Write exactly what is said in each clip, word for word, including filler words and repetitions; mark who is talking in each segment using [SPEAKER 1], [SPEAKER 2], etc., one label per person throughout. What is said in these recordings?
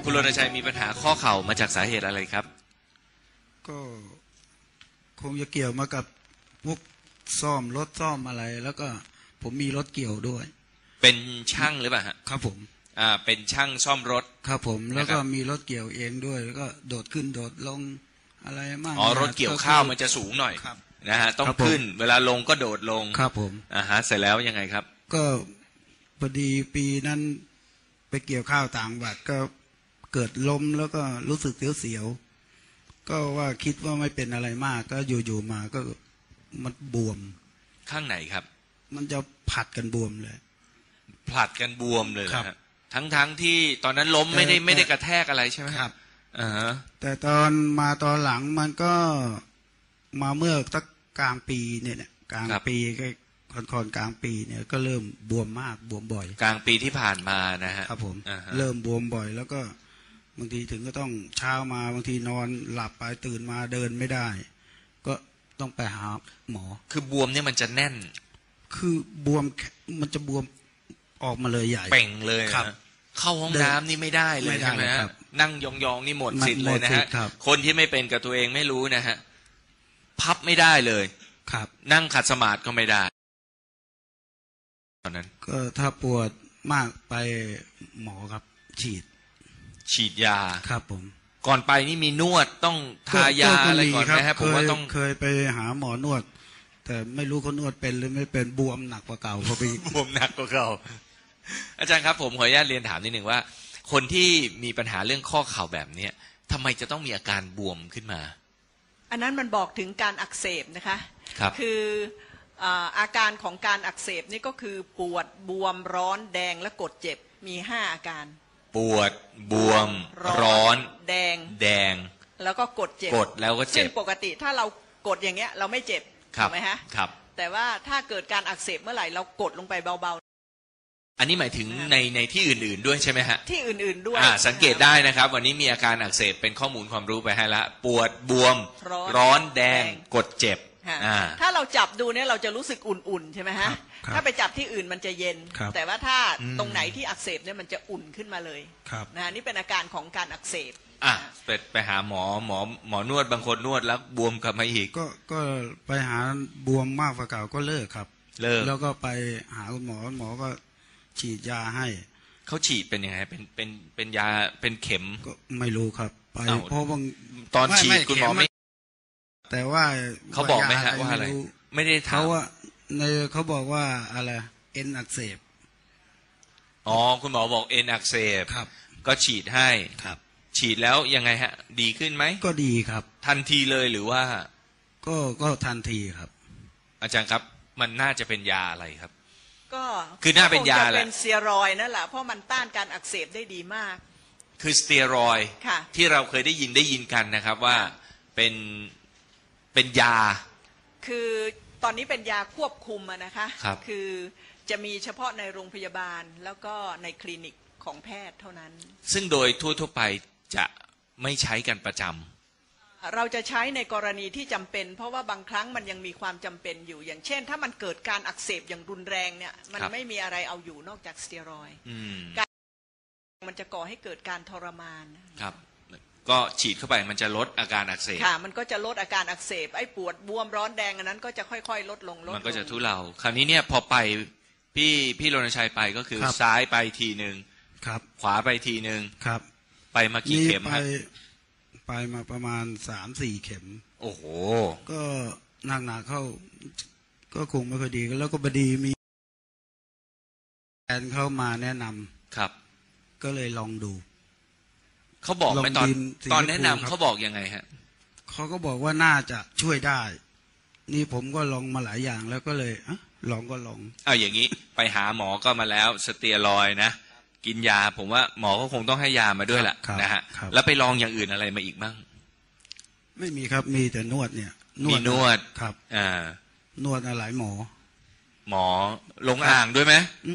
[SPEAKER 1] คุณรณชัยมีปัญหาข้อเข่ามาจากสาเหตุอะไรครับ
[SPEAKER 2] ก็คงจะเกี่ยวมากับพวกซ่อมรถซ่อมอะไรแล้วก็ผมมีรถเกี่ยวด้วย
[SPEAKER 1] เป็นช่างหรือเปล่าฮะ
[SPEAKER 2] ครับผม
[SPEAKER 1] อ่าเป็นช่างซ่อมรถ
[SPEAKER 2] ครับผมแล้วก็มีรถเกี่ยวเองด้วยแล้วก็โดดขึ้นโดดลงอะไรมาก
[SPEAKER 1] อ๋อรถเกี่ยวข้าวมันจะสูงหน่อยนะฮะต้องขึ้นเวลาลงก็โดดลง
[SPEAKER 2] ครับผม
[SPEAKER 1] อ่าฮะเสร็จแล้วยังไงครับ
[SPEAKER 2] ก็พอดีปีนั้นไปเกี่ยวข้าวต่างจังหวัดก็เกิดล้มแล้วก็รู้สึกเสียวๆก็ว่าคิดว่าไม่เป็นอะไรมากก็อยู่ๆมาก็มันบวม
[SPEAKER 1] ข้างไหนครับ
[SPEAKER 2] มันจะผัดกันบวมเลย
[SPEAKER 1] ผลัดกันบวมเลยครับทั้งๆ ท, ที่ตอนนั้นล้มไม่ได้ไม่ได้กระแทกอะไรใช่ไหมครับอ่าฮะ
[SPEAKER 2] แต่ตอนมาตอนหลังมันก็มาเมื่อสักกลางปีเนี่ยกลางปีก็ค่อนๆกลางปีเนี่ยก็เริ่มบวมมากบวมบ่อย
[SPEAKER 1] กลางปีที่ผ่านมานะฮะ
[SPEAKER 2] ครับผมเริ่มบวมบ่อยแล้วก็บางทีถึงก็ต้องเช้ามาบางทีนอนหลับไปตื่นมาเดินไม่ได้ก็ต้องไปหาหมอ
[SPEAKER 1] คือบวมเนี่ยมันจะแน่น
[SPEAKER 2] คือบวมมันจะบวมออกมาเลยใหญ่
[SPEAKER 1] เป่งเลยครับเข้าห้องน้ำนี่ไม่ได้เลยใช่ไหมฮะนั่งยองๆนี่หมดสิทธิ์เลยนะฮะคนที่ไม่เป็นกับตัวเองไม่รู้นะฮะพับไม่ได้เลย
[SPEAKER 2] ครับ
[SPEAKER 1] นั่งขัดสมาธิก็ไม่ได้ตอนนั้น
[SPEAKER 2] ก็ถ้าปวดมากไปหมอครับฉีด
[SPEAKER 1] ฉีดยา
[SPEAKER 2] ครับผม
[SPEAKER 1] ก่อนไปนี่มีนวดต้องทายาอะไรก่อนไหมครับผมว่าต้อง
[SPEAKER 2] เคยไปหาหมอนวดแต่ไม่รู้เขานวดเป็นหรือไม่เป็นบวมหนักกว่าเก่าพอไป
[SPEAKER 1] บวมหนักกว่าเก่าอาจารย์ครับผมขออนุญาตเรียนถามนิดหนึ่งว่าคนที่มีปัญหาเรื่องข้อเข่าแบบนี้ทำไมจะต้องมีอาการบวมขึ้นมา
[SPEAKER 3] อันนั้นมันบอกถึงการอักเสบนะคะ
[SPEAKER 1] ครับ
[SPEAKER 3] คืออาการของการอักเสบนี่ก็คือปวดบวมร้อนแดงและกดเจ็บมีห้าอาการ
[SPEAKER 1] ปวดบวมร้อน
[SPEAKER 3] แดง
[SPEAKER 1] แดง
[SPEAKER 3] แล้วก็กดเจ็บ
[SPEAKER 1] กดแล้วก็เจ็บ
[SPEAKER 3] ซึ่งปกติถ้าเรากดอย่างเงี้ยเราไม่เจ็บถูกไหมฮะ
[SPEAKER 1] ครับ
[SPEAKER 3] แต่ว่าถ้าเกิดการอักเสบเมื่อไหร่เรากดลงไปเบา
[SPEAKER 1] ๆอันนี้หมายถึงในในที่อื่นๆด้วยใช่ไหมฮะ
[SPEAKER 3] ที่อื่นๆด้วย
[SPEAKER 1] สังเกตได้นะครับวันนี้มีอาการอักเสบเป็นข้อมูลความรู้ไปให้ละปวดบวมร้อนแดงกดเจ็บ
[SPEAKER 3] ถ้าเราจับดูเนี่ยเราจะรู้สึกอุ่นๆใช่ไหมฮะถ้าไปจับที่อื่นมันจะเย็นแต่ว่าถ้าตรงไหนที่อักเสบเนี่ยมันจะอุ่นขึ้นมาเลยนะนี่เป็นอาการของการอักเสบ
[SPEAKER 1] อ่ะไปไปหาหมอหมอหมอนวดบางคนนวดแล้วบวมกลับมาอีก
[SPEAKER 2] ก็ก็ไปหาบวมมากกว่าเก่าก็เลิกครับ
[SPEAKER 1] เลิก
[SPEAKER 2] แล้วก็ไปหาคุณหมอหมอก็ฉีดยาให้
[SPEAKER 1] เขาฉีดเป็นยังไงเป็นเป็นเป็นยาเป็นเข็ม
[SPEAKER 2] ก็ไม่รู้ครับไปเพราะบาง
[SPEAKER 1] ตอนฉีดคุณหมอไม่
[SPEAKER 2] แต่ว่า
[SPEAKER 1] เขาบอกไหมฮะว่าอะไรไม่ได้ถาม
[SPEAKER 2] เขาว่าในเขาบอกว่าอะไรเอ็นอักเสบ
[SPEAKER 1] อ๋อคุณหมอบอกเอ็นอักเสบ
[SPEAKER 2] ครับ
[SPEAKER 1] ก็ฉีดให้
[SPEAKER 2] ครับ
[SPEAKER 1] ฉีดแล้วยังไงฮะดีขึ้นไหม
[SPEAKER 2] ก็ดีครับ
[SPEAKER 1] ทันทีเลยหรือว่า
[SPEAKER 2] ก็ก็ทันทีครับ
[SPEAKER 1] อาจารย์ครับมันน่าจะเป็นยาอะไรครับ
[SPEAKER 3] ก็
[SPEAKER 1] คือน่าเป็นยาแหละ
[SPEAKER 3] เป็นสเตียรอยด์นั่นแหละเพราะมันต้านการอักเสบได้ดีมาก
[SPEAKER 1] คือสเตียรอยด์ที่เราเคยได้ยินได้ยินกันนะครับว่าเป็นเป็นยา
[SPEAKER 3] คือตอนนี้เป็นยาควบคุมนะคะ
[SPEAKER 1] ครับ
[SPEAKER 3] คือจะมีเฉพาะในโรงพยาบาลแล้วก็ในคลินิกของแพทย์เท่านั้น
[SPEAKER 1] ซึ่งโดยทั่วๆไปจะไม่ใช้กันประจ
[SPEAKER 3] ำเราจะใช้ในกรณีที่จำเป็นเพราะว่าบางครั้งมันยังมีความจำเป็นอยู่อย่างเช่นถ้ามันเกิดการอักเสบอย่างรุนแรงเนี่ยมันไม่มีอะไรเอาอยู่นอกจากสเตียรอยด์การมันจะก่อให้เกิดการทรมาน
[SPEAKER 1] ครับก็ฉีดเข้าไปมันจะลดอาการอักเสบ
[SPEAKER 3] ค่ะมันก็จะลดอาการอักเสบไอ้ปวดบวมร้อนแดงอันนั้นก็จะค่อยๆลดลงลด
[SPEAKER 1] มันก็จะทุเลาคราวนี้เนี่ยพอไปพี่พี่รณชัยไปก็คือซ้ายไปทีนึง
[SPEAKER 2] ครับ
[SPEAKER 1] ขวาไปทีนึง
[SPEAKER 2] ครับ
[SPEAKER 1] ไปมากี่เข็ม
[SPEAKER 2] ไปไปมาประมาณสามสี่เข็ม
[SPEAKER 1] โอ้โห
[SPEAKER 2] ก็หนักหนักเข้าก็คงไม่ค่อยดีแล้วก็บดีมีแฟนเข้ามาแนะนำ
[SPEAKER 1] ครับ
[SPEAKER 2] ก็เลยลองดู
[SPEAKER 1] เขาบอกไหมตอนตอนแนะนำเขาบอกยังไงฮะ
[SPEAKER 2] เขาก็บอกว่าน่าจะช่วยได้นี่ผมก็ลองมาหลายอย่างแล้วก็เลยอ่ะลองก็ลอง
[SPEAKER 1] เอาอย่างนี้ไปหาหมอก็มาแล้วสเตียรอยด์นะกินยาผมว่าหมอก็คงต้องให้ยามาด้วยแหละนะฮะแล้วไปลองอย่างอื่นอะไรมาอีกบ้าง
[SPEAKER 2] ไม่มีครับมีแต่นวดเนี่ย
[SPEAKER 1] มีนวด
[SPEAKER 2] ครับ
[SPEAKER 1] อ่าน
[SPEAKER 2] วดอะไรหมอ
[SPEAKER 1] หมอลงอ่างด้วยไหม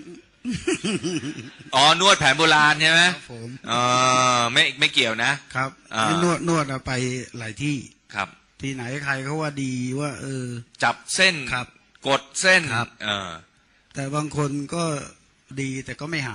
[SPEAKER 1] อ๋อนวดแผนโบราณใช่ไหม
[SPEAKER 2] ครับผม
[SPEAKER 1] อ๋อไม่ไม่เกี่ยวนะครับ
[SPEAKER 2] นวดนวดไปหลายที่
[SPEAKER 1] ครับ
[SPEAKER 2] ที่ไหนใครเขาว่าดีว่าเออ
[SPEAKER 1] จับเส้น
[SPEAKER 2] ครับ
[SPEAKER 1] กดเส้น
[SPEAKER 2] ครับ
[SPEAKER 1] เออ
[SPEAKER 2] แต่บางคนก็ดีแต่ก็ไม่หาย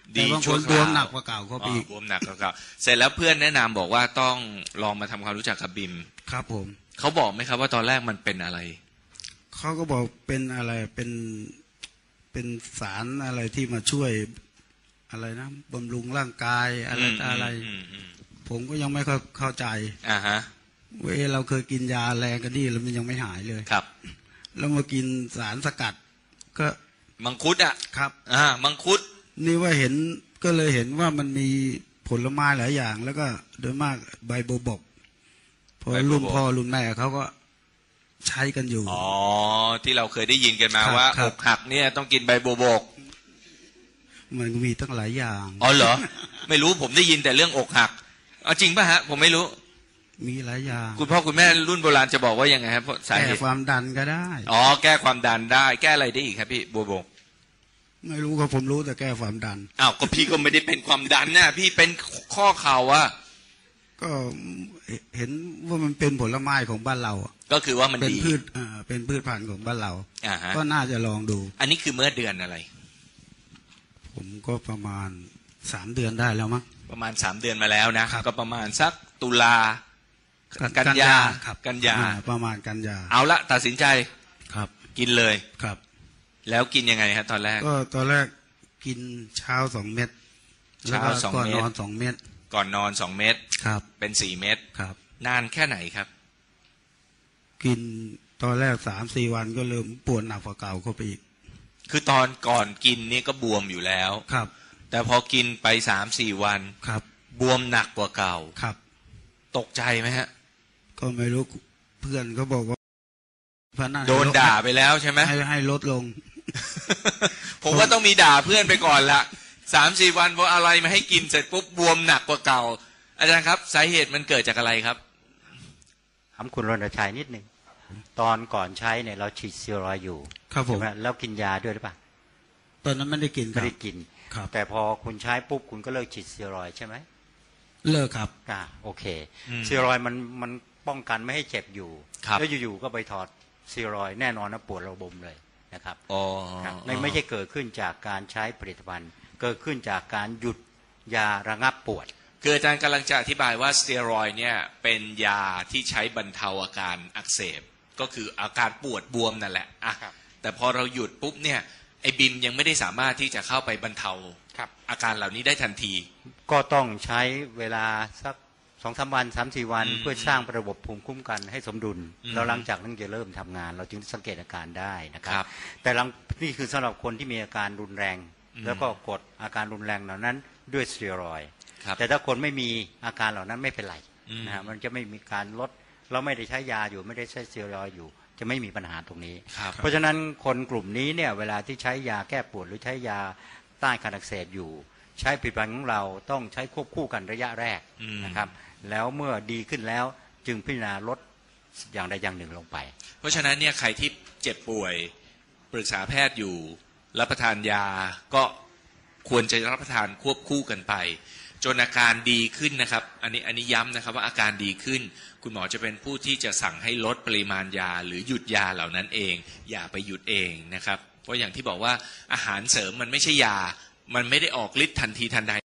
[SPEAKER 2] แต่บางคนบวมหนักกว่าเก่าเขาปี
[SPEAKER 1] บวมหนักกว่าเก่าเสร็จแล้วเพื่อนแนะนำบอกว่าต้องลองมาทำความรู้จักกับบิม
[SPEAKER 2] ครับผม
[SPEAKER 1] เขาบอกไหมครับว่าตอนแรกมันเป็นอะไร
[SPEAKER 2] เขาก็บอกเป็นอะไรเป็นเป็นสารอะไรที่มาช่วยอะไรนะบำรุงร่างกายอะไรอะไรผมก็ยังไม่เข้าใจ
[SPEAKER 1] อ่าฮะ
[SPEAKER 2] เว้ยเราเคยกินยาแรงกันนี่แล้วมันยังไม่หายเลย
[SPEAKER 1] ครับ
[SPEAKER 2] แล้วมากินสารสกัดก็
[SPEAKER 1] มังคุดอ่ะ
[SPEAKER 2] ครับ
[SPEAKER 1] อ่ามังคุด
[SPEAKER 2] นี่ว่าเห็นก็เลยเห็นว่ามันมีผลไม้หลายอย่างแล้วก็โดยมากใบโบบกพอรุ่นพ่อรุ่นแม่เขาก็ใช้กันอยู่
[SPEAKER 1] อ๋อที่เราเคยได้ยินกันมาว่าอกหักเนี่ยต้องกินใบโบบก
[SPEAKER 2] มันมีตั้งหลายอย่าง
[SPEAKER 1] อ๋อเหรอไม่รู้ผมได้ยินแต่เรื่องอกหักเอาจริงป่ะฮะผมไม่รู้
[SPEAKER 2] มีหลายอย่าง
[SPEAKER 1] คุณพ่อคุณแม่รุ่นโบราณจะบอกว่ายังไงครับ
[SPEAKER 2] แก้ความดันก็ได้
[SPEAKER 1] อ๋อแก้ความดันได้แก้อะไรได้อีกครับพี่โบบก
[SPEAKER 2] ไม่รู้ครับผมรู้แต่แก้ความดัน
[SPEAKER 1] อ้าวก็พี่ก็ไม่ได้เป็นความดันนะพี่เป็นข้อเข่าอะ
[SPEAKER 2] ก็เห็นว่ามันเป็นผลไม้ของบ้านเรา
[SPEAKER 1] ก็คือว่ามัน
[SPEAKER 2] เป็นพืชอ่าเป็นพืชพันธุ์ของบ้านเราก็น่าจะลองดู
[SPEAKER 1] อันนี้คือเมื่อเดือนอะไร
[SPEAKER 2] ผมก็ประมาณสามเดือนได้แล้วมั้ง
[SPEAKER 1] ประมาณสามเดือนมาแล้วนะก็ประมาณสักตุลากันยากันยา
[SPEAKER 2] ประมาณกันยา
[SPEAKER 1] เอาละตัดสินใจ
[SPEAKER 2] ครับ
[SPEAKER 1] กินเลย
[SPEAKER 2] ครับ
[SPEAKER 1] แล้วกินยังไงฮะตอนแรก
[SPEAKER 2] ก็ตอนแรกกินเช้าสองเม็ด
[SPEAKER 1] เช้าสองเม็ด
[SPEAKER 2] ก่อนนอนสองเม็ด
[SPEAKER 1] ก่อนนอนสองเม็ด
[SPEAKER 2] ครับ
[SPEAKER 1] เป็นสี่เม็ด
[SPEAKER 2] ครับ
[SPEAKER 1] นานแค่ไหนครับ
[SPEAKER 2] กินตอนแรกสามสี่วันก็เริ่มปวดหนักกว่าเก่าเข้าไปอีก
[SPEAKER 1] คือตอนก่อนกินนี่ก็บวมอยู่แล้ว
[SPEAKER 2] ครับ
[SPEAKER 1] แต่พอกินไปสามสี่วัน
[SPEAKER 2] ครับ
[SPEAKER 1] บวมหนักกว่าเก่า
[SPEAKER 2] ครับ
[SPEAKER 1] ตกใจไหมฮะ
[SPEAKER 2] ก็ไม่รู้เพื่อนเขาบอกว่า
[SPEAKER 1] โดนด่าไปแล้วใช่ไหม
[SPEAKER 2] ให้ให้ลดลง
[SPEAKER 1] ผมว่าต้องมีด่าเพื่อนไปก่อนละสามสี่วันพออะไรมาให้กินเสร็จปุ๊บบวมหนักกว่าเก่าอาจารย์ครับสาเหตุมันเกิดจากอะไรครับ
[SPEAKER 4] ถามคุณรณชัยนิดหนึ่งตอนก่อนใช้เนี่ยเราฉีดสเตียรอยด์อยู่
[SPEAKER 2] ครับผม
[SPEAKER 4] แล้วกินยาด้วยหรือเปล่า
[SPEAKER 2] ตอนนั้นไม่ได้กิน
[SPEAKER 4] ไม่ได้กินแต่พอคุณใช้ปุ๊บคุณก็เลิกฉีดสเตียรอยด์ใช่ไหม
[SPEAKER 2] เลิกครับ
[SPEAKER 4] อ่าโอเคสเตียรอยด์มันมันป้องกันไม่ให้เจ็บอยู่แล้วอยู่ๆก็ไปถอดสเตียรอยด์แน่นอนนะปวดระบมเลยนะครับ
[SPEAKER 1] อ๋อ
[SPEAKER 4] ไม่ไม่ใช่เกิดขึ้นจากการใช้ผลิตภัณฑ์เกิดขึ้นจากการหยุดยาระงับปวด
[SPEAKER 1] คืออาจารย์กำลังจะอธิบายว่าสเตียรอยด์เนี่ยเป็นยาที่ใช้บรรเทาอาการอักเสบก็คืออาการปวดบวมนั่นแหละอ่ะแต่พอเราหยุดปุ๊บเนี่ยไอ้บิมยังไม่ได้สามารถที่จะเข้าไปบรรเทาอาการเหล่านี้ได้ทันที
[SPEAKER 4] ก็ต้องใช้เวลาสักสองสามวันสามสี่วันเพื่อสร้างระบบภูมิคุ้มกันให้สมดุลแล้วหลังจากนั้นจะเริ่มทำงานเราจึงสังเกตอาการได้นะครับแต่หลังนี่คือสำหรับคนที่มีอาการรุนแรงแล้วก็กดอาการรุนแรงเหล่านั้นด้วยสเตียรอยด์แต่ถ้าคนไม่มีอาการเหล่านั้นไม่เป็นไรนะฮะมันจะไม่มีการลดเราไม่ได้ใช้ยาอยู่ไม่ได้ใช้สเตียรอยด์อยู่จะไม่มีปัญหาตรงนี้เพราะฉะนั้นคนกลุ่มนี้เนี่ยเวลาที่ใช้ยาแก้ปวดหรือใช้ยาต้านการอักเสบอยู่ใช้ผลิตภัณฑ์ของเราต้องใช้ควบคู่กันระยะแรกนะครับแล้วเมื่อดีขึ้นแล้วจึงพิจารณาลดอย่างใดอย่างหนึ่งลงไป
[SPEAKER 1] เพราะฉะนั้นเนี่ยใครที่เจ็บป่วยปรึกษาแพทย์อยู่รับประทานยาก็ควรจะรับประทานควบคู่กันไปจนอาการดีขึ้นนะครับอันนี้อันนี้ย้ำนะครับว่าอาการดีขึ้นคุณหมอจะเป็นผู้ที่จะสั่งให้ลดปริมาณยาหรือหยุดยาเหล่านั้นเองอย่าไปหยุดเองนะครับเพราะอย่างที่บอกว่าอาหารเสริมมันไม่ใช่ยามันไม่ได้ออกฤทธิ์ทันทีทันใด